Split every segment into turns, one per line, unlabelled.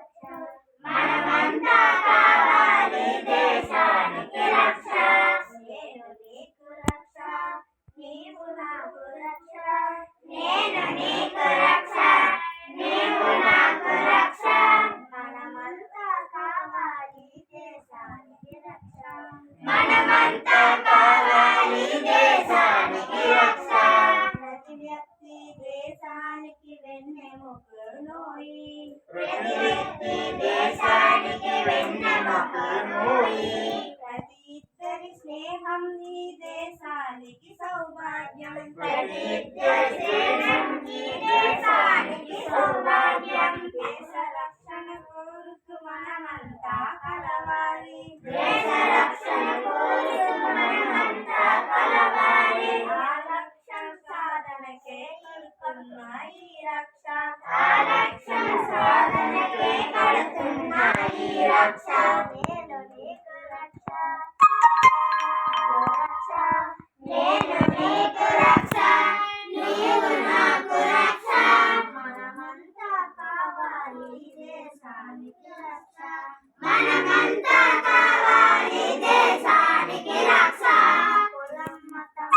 మనమంతా కావాలి దేశానికి రక్ష. నేను నీకు రక్ష, నీవు నాకు రక్ష. నేను నీకు రక్ష, నీవు నాకు రక్ష. మనమంతా కావాలి దేశానికి రక్ష. మనమంతా కావాలి దేశానికి రక్ష. ప్రతి వ్యక్తి దేశానికి వెన్నెముకనోయి. ప్రతి వ్యక్తి దేశానికి వెన్నెముకనోయి. ప్రతి ఇద్దరి స్నేహం ఈ దేశానికి సౌభాగ్యం. ప్రతి ఇద్దరి స్నేహం ఈ దేశానికి సౌభాగ్యం. దేశ రక్షణ కోరుతూ మనమంతా కలవాలి. దేశ రక్షణ కోరుతూ మనమంతా కలవాలి. ఆ లక్ష్యం సాధనకే కడుతున్న ఈ రక్ష. ఆ లక్ష్యం సాధనకే కడుతున్న ఈ రక్ష. నేను నీకు రక్ష, రక్ష. నేను నీకు రక్ష, నీవు నాకు రక్ష. మనమంతా కావాలి దేశానికి రక్ష. మనమంతా కావాలి దేశానికి రక్ష. కులం మతం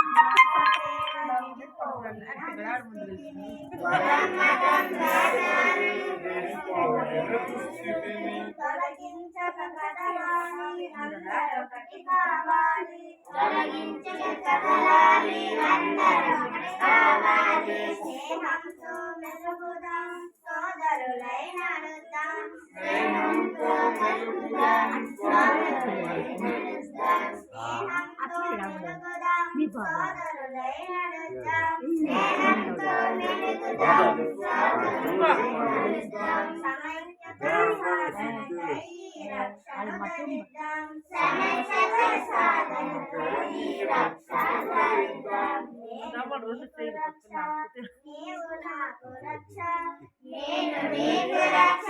తొలగించక కదలాలి అందరొకటి కావాలి. తొలగించక కదలాలి అందరొకటి కావాలి. స్నేహంతో మెలుగుదాం సోదరులై నడుద్దాం. స్నేహంతో మెలుగుదాం సోదరులై నడుద్దాం. స్నేహంతో మెలుగుదాం సోదరులై నడుద్దాం. స్నేహంతో మెలుగుదాం సోదరులై నడుద్దాం. సమైక్యత సాధనకై రక్షణ ధరిద్దాం. సమైక్యత సాధనకై రక్షణ ధరిద్దాం. నేను నీకు రక్ష, నీవు నాకు రక్ష. నేను నీకు రక్ష,